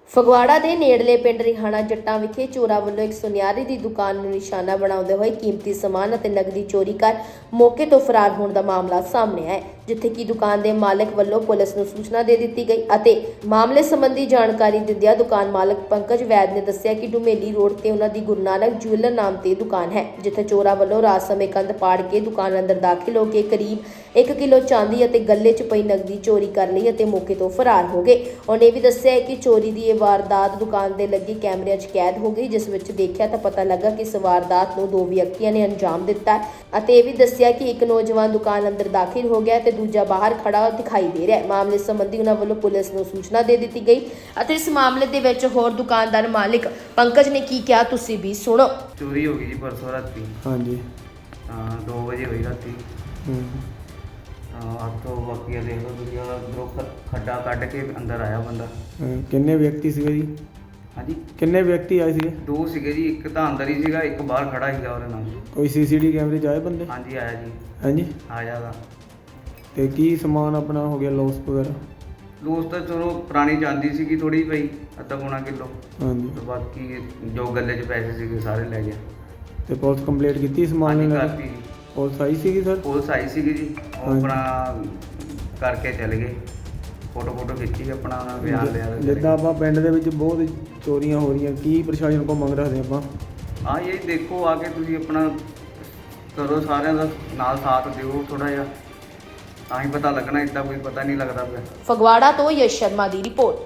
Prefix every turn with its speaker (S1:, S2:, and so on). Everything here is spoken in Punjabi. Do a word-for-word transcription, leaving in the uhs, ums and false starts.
S1: ਫਗਵਾੜਾ ਦੇ ਨੇੜਲੇ ਪਿੰਡ ਰਿਹਾਣਾ ਜੱਟਾਂ ਵਿਖੇ ਚੋਰਾਂ ਵੱਲੋਂ ਇੱਕ ਸੁਨਿਆਰੇ ਦੀ ਦੁਕਾਨ ਨੂੰ ਨਿਸ਼ਾਨਾ ਬਣਾਉਂਦੇ ਹੋਏ ਕੀਮਤੀ ਸਮਾਨ ਅਤੇ ਨਕਦੀ ਚੋਰੀ ਕਰ ਮੌਕੇ ਤੋਂ ਫਰਾਰ ਹੋਣ ਦਾ ਮਾਮਲਾ ਸਾਹਮਣੇ ਆਇਆ ਹੈ, ਜਿੱਥੇ ਕਿ ਦੁਕਾਨ ਦੇ ਮਾਲਕ ਵੱਲੋਂ ਪੁਲਿਸ ਨੂੰ ਸੂਚਨਾ ਦੇ ਦਿੱਤੀ ਗਈ ਅਤੇ ਮਾਮਲੇ ਸੰਬੰਧੀ ਜਾਣਕਾਰੀ ਦਿੰਦਿਆਂ ਦੁਕਾਨ ਮਾਲਕ ਪੰਕਜ ਵੈਦ ਨੇ ਦੱਸਿਆ ਕਿ ਡੁਮੇਲੀ ਰੋਡ ਤੇ ਉਹਨਾਂ ਦੀ ਗੁਰੂ ਨਾਨਕ ਜੁਐਲਰ ਨਾਮ ਤੇ ਦੁਕਾਨ ਹੈ, ਜਿੱਥੇ ਚੋਰਾਂ ਵੱਲੋਂ ਰਾਤ ਸਮੇਂ ਕੰਧ ਪਾੜ ਕੇ ਦੁਕਾਨ ਅੰਦਰ ਦਾਖਲ ਹੋ ਕੇ ਕਰੀਬ ਇੱਕ ਕਿਲੋ ਚਾਂਦੀ ਅਤੇ ਗੱਲੇ 'ਚ ਪਈ ਨਕਦੀ ਚੋਰੀ ਕਰ ਲਈ ਅਤੇ ਮੌਕੇ ਤੋਂ ਫਰਾਰ ਹੋ ਗਏ। ਉਹਨੇ ਵੀ ਦੱਸਿਆ ਕਿ ਚੋਰੀ ਦੀ ਇਹ ਵਾਰਦਾਤ ਦੁਕਾਨ ਦੇ ਲੱਗੇ ਕੈਮਰਿਆਂ 'ਚ ਕੈਦ ਹੋ ਗਈ, ਜਿਸ ਵਿੱਚ ਦੇਖਿਆ ਤਾਂ ਪਤਾ ਲੱਗਾ ਕਿ ਇਸ ਵਾਰਦਾਤ ਨੂੰ ਦੋ ਵਿਅਕਤੀਆਂ ਨੇ ਅੰਜਾਮ ਦਿੱਤਾ ਅਤੇ ਇਹ ਵੀ ਦੱਸਿਆ ਕਿ ਇੱਕ ਨੌਜਵਾਨ ਦੁਕਾਨ ਅੰਦਰ ਦਾਖਲ ਹੋ ਗਿਆ ਤੇ ਦੂਜਾ ਬਾਹਰ ਖੜਾ ਦਿਖਾਈ ਦੇ ਰਿਹਾ ਹੈ। ਮਾਮਲੇ ਸੰਬੰਧੀ ਉਹਨਾਂ ਵੱਲੋਂ ਪੁਲਿਸ ਨੂੰ ਸੂਚਨਾ ਦੇ ਦਿੱਤੀ ਗਈ ਅਤੇ ਇਸ ਮਾਮਲੇ ਦੇ ਵਿੱਚ ਹੋਰ ਦੁਕਾਨਦਾਰ ਮਾਲਿਕ ਪੰਕਜ ਨੇ ਕੀ ਕਿਹਾ, ਤੁਸੀਂ ਵੀ ਸੁਣੋ।
S2: ਚੋਰੀ ਹੋ ਗਈ ਜੀ ਪਰਸੋਂ ਰਾਤੀ।
S3: ਹਾਂਜੀ।
S2: ਹਾਂ ਦੋ ਵਜੇ ਹੋਈ ਰਾਤੀ।
S3: ਹੂੰ।
S2: ਤਾਂ ਹੱਥੋਂ ਬਾਕੀ ਦੇਖ ਲਓ ਤੁਸੀਂ, ਅੰਦਰੋਂ ਖ- ਖੱਡਾ ਕੱਢ ਕੇ ਅੰਦਰ ਆਇਆ ਬੰਦਾ।
S3: ਹਾਂ, ਕਿੰਨੇ ਵਿਅਕਤੀ ਸੀਗੇ ਜੀ?
S2: ਹਾਂਜੀ
S3: ਕਿੰਨੇ ਵਿਅਕਤੀ ਆਏ ਸੀਗੇ?
S2: ਦੋ ਸੀਗੇ ਜੀ, ਇੱਕ ਤਾਂ ਅੰਦਰ ਹੀ ਸੀਗਾ, ਇੱਕ ਬਾਹਰ ਖੜਾ ਸੀਗਾ ਉਹਦੇ ਨਾਲ।
S3: ਕੋਈ ਸੀਸੀਟੀ ਕੈਮਰੇ 'ਚ ਆਏ ਬੰਦੇ?
S2: ਹਾਂਜੀ ਆਇਆ ਜੀ,
S3: ਹਾਂਜੀ।
S2: ਆਇਆ ਵਾ।
S3: ਤੇ ਕੀ ਸਮਾਨ ਆਪਣਾ ਹੋ ਗਿਆ ਲੋਸ ਵਗੈਰਾ?
S2: ਦੋਸਤ ਤਾਂ ਚਲੋ ਪੁਰਾਣੀ ਚਾਂਦੀ ਸੀਗੀ ਥੋੜੀ ਪਈ, ਅੱਧਾ ਪੌਣਾ ਕਿਲੋ।
S3: ਹਾਂਜੀ।
S2: ਤੇ ਬਾਕੀ ਜੋ ਗੱਲੇ 'ਚ ਪੈਸੇ ਸੀਗੇ ਸਾਰੇ ਲੈ ਗਿਆ।
S3: ਤੇ ਪੁਲਿਸ ਕੰਪਲੀਟ ਕੀਤੀ ਸਮਾਨ
S2: ਹਾਂਜੀ
S3: ਇਹਨਾਂ
S2: ਕਰਤੀ
S3: ਦੀ?
S2: ਜੀ,
S3: ਪੁਲਿਸ ਆਈ ਸੀਗੀ ਸਰ?
S2: ਪੁਲਿਸ ਆਈ ਸੀਗੀ ਜੀ, ਉਹ
S3: ਹਾਂਜੀ।
S2: ਆਪਣਾ ਕਰਕੇ ਚਲੇ ਗਏ। ਫੋਟੋ ਫੋਟੋ ਖਿੱਚੀ ਆਪਣਾ ਉਹਨਾਂ ਬਿਆਨ ਲਿਆ ਤੇ ਚਲੇ
S3: ਜਿੱਦਾਂ
S2: ਗਏ।
S3: ਆਪਾਂ ਪਿੰਡ ਦੇ ਵਿੱਚ ਬਹੁਤ ਚੋਰੀਆਂ ਹੋ ਰਹੀਆਂ, ਕੀ ਪ੍ਰਸ਼ਾਸਨ ਕੋਲ ਮੰਗ ਰੱਖਦੇ ਆਪਾਂ?
S2: ਹਾਂ ਇਹ ਦੇਖੋ ਆ ਕੇ ਤੁਸੀਂ ਆਪਣਾ ਕਰੋ, ਸਾਰਿਆਂ ਦਾ ਨਾਲ ਸਾਥ ਦਿਓ ਥੋੜਾ ਜਿਹਾ, ਤਾਂ ਹੀ ਪਤਾ ਲੱਗਣਾ, ਇੱਦਾਂ ਕੋਈ ਪਤਾ ਨਹੀਂ ਲੱਗਦਾ ਪਿਆ।
S1: ਫਗਵਾੜਾ ਤੋਂ ਯਸ਼ ਸ਼ਰਮਾ ਦੀ ਰਿਪੋਰਟ।